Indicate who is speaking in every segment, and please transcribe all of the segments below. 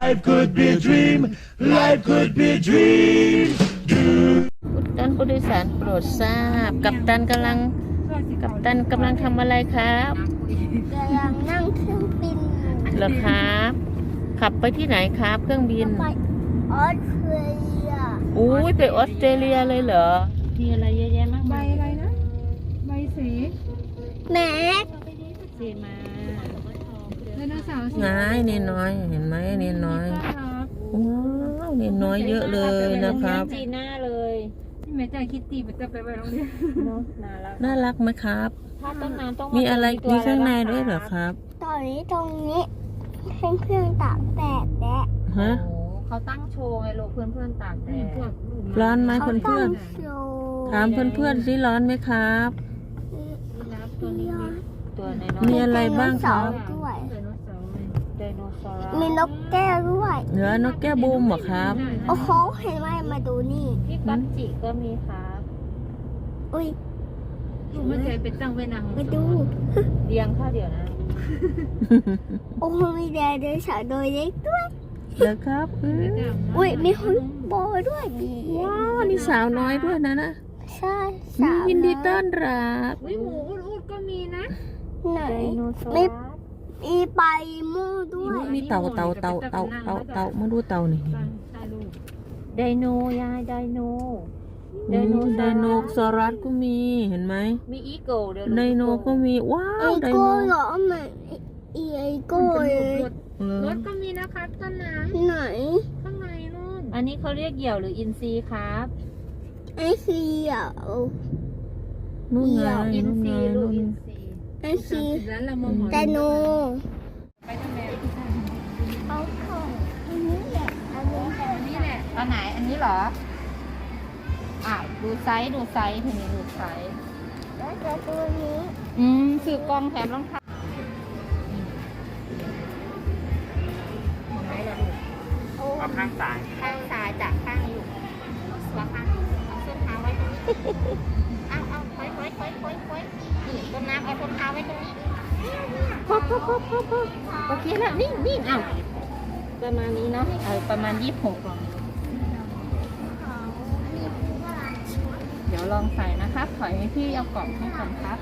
Speaker 1: Life could be a dream. Life could be a dream.
Speaker 2: ท่านผู้โดยสารโปรดทราบกัปตันกำลังทำอะไรครับ
Speaker 3: กำลังนั่งเครื่องบินอยู่
Speaker 2: เหรอครับ ขับไปที่ไหนครับเครื่องบิน
Speaker 3: ไปออสเตรเลีย
Speaker 2: อุ้ยไปออสเตรเลียเลยเหรอมีอะไรเยอะแยะมาก
Speaker 4: ใบ
Speaker 2: มาย
Speaker 4: อะไรนะใบสี
Speaker 3: แม็ก
Speaker 2: สีมา
Speaker 4: ไดโนเสาร์สี
Speaker 2: ง่ายเนน้อยเห็นไหมเนน้อย
Speaker 4: น่ารัก
Speaker 2: ว้าวเนน้อยเยอะเลยนะครับ
Speaker 5: จีน่าเลย
Speaker 4: ที่แม่ใจคิดตีไปจะไปโรงเรียน
Speaker 5: เนาะน่ารัก
Speaker 2: น่ารักไหมครับ
Speaker 5: ถ้าต้นน้ำต้อง
Speaker 2: มีอะไร
Speaker 5: ตัว
Speaker 2: มีข้างใน
Speaker 5: แล้
Speaker 2: ด้วยเหรอ
Speaker 5: ค
Speaker 2: ครับ
Speaker 3: ตอนนี้ตรงนี้เป็นเครื่องตากแดดและ
Speaker 2: ฮะ
Speaker 5: โอ้เขาตั้งโชว์ไงลูกเพื่อนๆตากแดด
Speaker 4: พวกลูก
Speaker 2: ร้อนไหม
Speaker 3: เขา
Speaker 2: เพื่
Speaker 3: ตั้
Speaker 2: อน
Speaker 3: ง
Speaker 2: ๆ
Speaker 3: โชว์
Speaker 2: ถามเพื่อนๆสิร้อนไหมครับ
Speaker 5: รับตัวนี้ตัวน้อย
Speaker 2: มีอะไรบ้างครับ
Speaker 3: ด้วย
Speaker 4: ไดโนเสาร์
Speaker 5: ๆไดโนเสาร์
Speaker 3: มีนกแก้วด้วย
Speaker 2: เหนือนกแก้วบูมเหรอครับ
Speaker 3: โอ้โหเห็นไหมมาดูนี่
Speaker 5: พี่ก๊อตจิก็มีครับ
Speaker 3: อุ้ย
Speaker 4: ลูกไม่ใจไปตั้งไว้นาง
Speaker 3: มาดู
Speaker 5: เรียงข้าวเดียวนะ
Speaker 3: โอ้โหมีแดดเดินสาวโดยเล็กด้วย
Speaker 2: แล้วครับ
Speaker 3: อุ้ยมีฮุนโบด้วยมี
Speaker 2: ว้าวนี่สาวน้อยด้วยนะนะ
Speaker 3: ใช่สาว
Speaker 2: ยินดีต้อนรับ
Speaker 4: อุ้ยหมูอุดก็มีนะ
Speaker 3: ไหน
Speaker 5: ไดโนเสาร์
Speaker 3: ไม่มีใบมูด้วย
Speaker 2: มีเต่ามาดูเต่านี่
Speaker 4: ใช่ลูก
Speaker 5: ไดโนยายไดโน
Speaker 2: ไดโนซอรัสก็มีเห็นไหม
Speaker 5: มีอีโก้เดี๋ยว
Speaker 2: ไดโนก็มีว้า
Speaker 3: ไอ
Speaker 2: วได
Speaker 3: โก้
Speaker 2: โน
Speaker 3: เหรอเหมือนไอโก้เลย
Speaker 4: รถก็มีนะครับต้นน้
Speaker 3: ไหน
Speaker 4: ำข้างในนู่น
Speaker 5: อันนี้เขาเรียกเหยี่ยวหรืออินทรีครับ
Speaker 3: ไอซีอ่ะ
Speaker 2: นู่นไง
Speaker 5: อิน
Speaker 2: นู่น
Speaker 5: ท
Speaker 2: ไง
Speaker 5: รีลูก
Speaker 2: นู่น
Speaker 5: อินทรี
Speaker 3: ไอซี
Speaker 4: ร้านละมอหมอ
Speaker 3: ไดโน
Speaker 4: ไปทำไม
Speaker 3: เอาของอันนี้แหละอันนี้แหละ
Speaker 4: นี่แหละ
Speaker 5: อันไหนอันนี้เหรออ่ะดูไซส์ทีนี้ดูไซส์
Speaker 3: แล้วจะตัวนี้
Speaker 5: ซื้อกล้องแถมรองเท้าไหนล่ะลูก
Speaker 1: เอาข้างซ้าย
Speaker 5: ข้างซ้ายจากข้างนี้ลูกวางข้างเอาส้นเท้าไว้ตรงนี้เอาค่อยนี่ต้นน้ำเอาส้นเท้าไว้ตรงนี้พอโอเคแล้วนี่เอาประมาณนี้เนาะประมาณ26เดี๋ยวลองใส่นะครับถอยให้พี่เอากล่องให้ก่อนครับ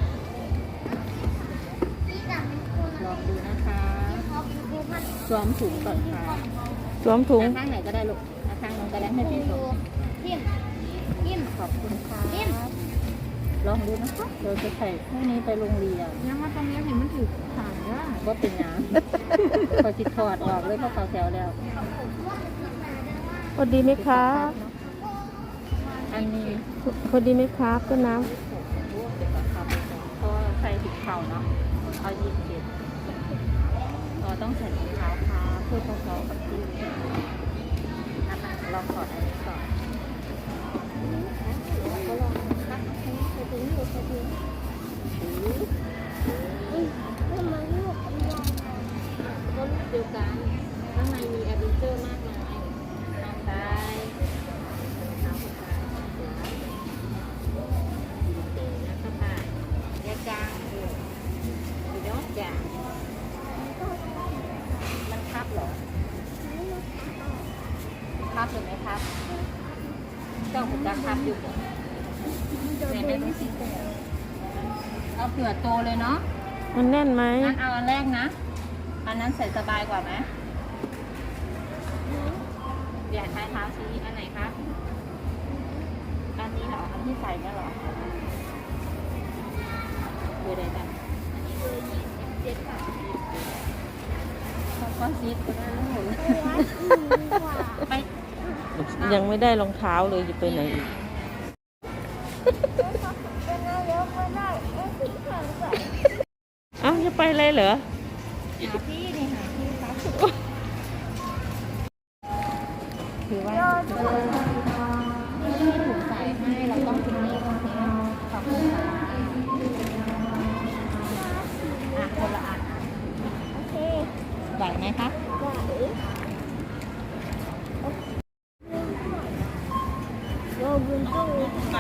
Speaker 5: ลองดูนะคะสวมถุงก่อนค่ะ
Speaker 2: สวมถุง
Speaker 5: ข้างไหนก็ได้ลูกข้างนู้นก็ได้ให้พี่สวมยิ้มขอบคุณค่ะลองดูนะคะเราจะใส่พวกนี้ไปโรงเรียน
Speaker 4: ยังมาตรงนี้เห็นมันถือขาดว่า
Speaker 5: ก็เป็นน้ำพอจิตถอดออกเลยเพราะเขาแถวแล้ว
Speaker 2: พอดีไหมครับ
Speaker 5: อันนี้
Speaker 2: พอดีไหมครับต้นน้
Speaker 5: เพราะใส่ถุงเท้าเนาะเอา27เราต้องใส่ถุงเท้าค่ะเพื่อเขากับที่นะคะลองถอดอันนี้ก่อนก็ลองนะคะใส่ถุงอยู่ใส่ถุง
Speaker 3: ทำไมลูกอันใหญ่
Speaker 5: ก็ลูกเดียวกันข้างในมีแอดเวนเจอร์มากมายน้ำได้น้ำได้นะครับค่ะยาจางอยู่ยอดจางมันทับเหรอทับหรือไม่ทับเจ้าผมจะทับอยู่เนี่ยไม่รู้สิเอาเผื่อโตเลยเนาะ
Speaker 2: ำมันแน่นไหม
Speaker 5: งั้นเอาอันแรกนะ อันนั้นใส่สบายกว่าไหมอยากใช้เท้าชี้อันไหนครับ อันนี้เหรอ อันที่ใส่เนี่ยเหรอดูได้ไหมอันนี้คือ27ค่ะก็ซีดก็ได้แล้วหมดไป
Speaker 2: ยังไม่ได้รองเท้าเลยจะไปไหนอีก
Speaker 3: เป็นไงเดี๋ยวไม่ได้ไอ้สีขาวใส่
Speaker 2: เอ้าจะไปเลยเหรอ
Speaker 5: หาพี่นี่หาพี่ครับถือว่าที่ถูกใส่ให้เราต้องทิ้งนี่โอเคขอบคุณค่ะคนละอัน
Speaker 3: โอเค
Speaker 5: ไหวไหมคะ
Speaker 3: ไหว โรบุนตู้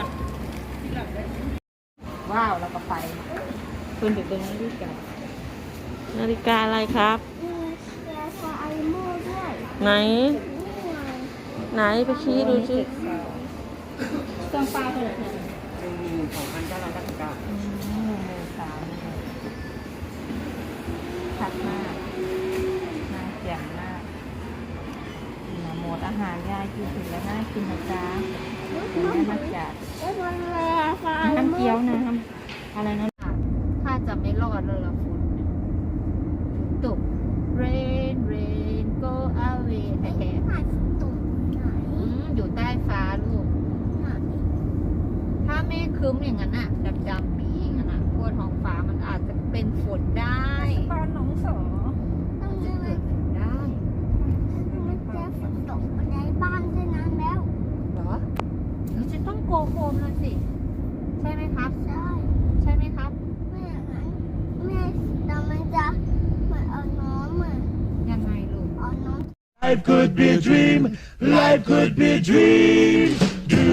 Speaker 5: ว้าวแล้วก็ไปคุณถึงตรงนี้ดีกัน
Speaker 2: นาฬิกาอะไรครับ
Speaker 3: มีแกซาไอโม่ด้วย
Speaker 2: ไหน ไหนไปชี้ดูสิ
Speaker 5: เครื่องปลาเท่าไหร่เนี่ย
Speaker 4: ชัดมากน่าเสียงมากหมดอาหารยายกินถึงแล้วน่ากินนะจ๊ะแม่มักจัด
Speaker 3: มันแร่ฟ้า
Speaker 4: น้ำเกี๊ยวนะอะไรนะ
Speaker 5: ถ้าจะไม่รอดเลยละฝนตก rain rain go away แฮ่
Speaker 3: ผ่านตุ่มไหน
Speaker 5: ๆอยู่ใต้ฟ้าลูก
Speaker 3: ไหน
Speaker 5: ถ้าเมฆครึ้มอย่างนั้นอะดำๆปีอย่างนั้นอะทั่วท้องฟ้ามันอาจจะเป็นฝนได้
Speaker 4: ปอนน้องสอ
Speaker 3: ต้อง
Speaker 5: จะ
Speaker 3: ยังไง
Speaker 5: เกิดฝนได้
Speaker 3: มันจะฝนตกมาในบ้านด้วยนั้นแล้ว
Speaker 5: เหรอเราจะต้องโกโฮมแล้วสิ ใช่ไหมครับ
Speaker 3: ใช่
Speaker 5: ใช่ไหมครับ
Speaker 3: ไม่อย่างนั้นแม่แต่มันจะเหมือนเอาน้องเหมือน
Speaker 5: ยังไงลูก
Speaker 3: เอาน้อง
Speaker 1: Life could be a dream. Life could be a dream.